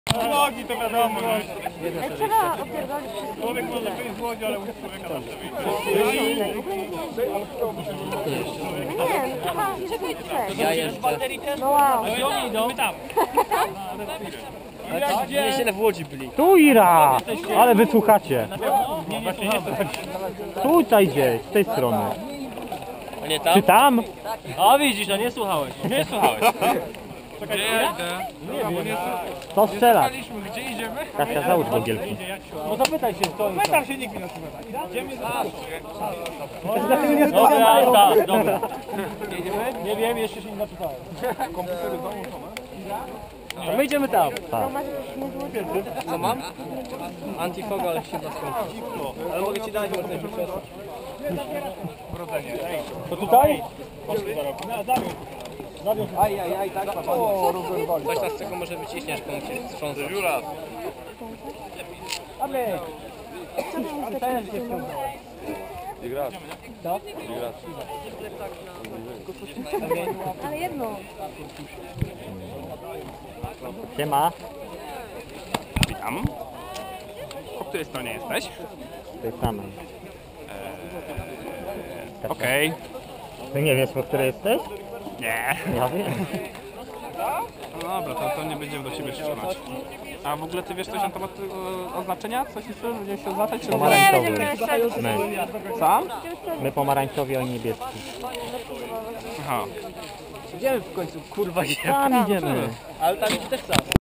Nogi to wiadomo. Trzeba opierdolić. Człowiek może wyjść z łodzi, ale musi człowieka zawsze wyjść. Nie, chyba Ja jeszcze. no wow. Gdzie oni idą? My tam. Nie, źle w Łodzi byli. Tu Ira! Ale wysłuchacie. Nie, właśnie nie to. Tutaj gdzieś, z tej strony. A nie tam? Czy tam? A widzisz, no nie słuchałeś. Nie słuchałeś. Gdzie ja idę? To strzelać. Gdzie idziemy? Kasia, załóż bogielki. No zapytaj się, co oni Pytam się, nikt mi nie odpowiada. Idziemy za... Dobra, tak, dobra. Nie wiem, jeszcze się nie zapytałem. Komputery w domu To my idziemy tam. To masz jakieś niezłe. Co mam? Antifoga, ale się da skończyć. Ale mogę ci dać, może coś przesłać. To tutaj? Aj, tak, o, rozerwali. Coś nas czego może wyciśniesz, komuś się wstrząsa. Dziura. Ale jedno. Siema. Witam. Po której stronie jesteś? Tej samej. Okej. Ty nie wiesz, po której jesteś? Nie. Ja wiem. No dobra, to nie będziemy do siebie strzelać. A w ogóle ty wiesz coś na temat oznaczenia? Coś jeszcze będziemy się oznaczać? Czy Nie, Pomarańczowy. będziemy strzelać. My. Sam? My pomarańczowi, oni niebieski. Aha. Idziemy w końcu, kurwa, Tam idziemy. ale tam też sam.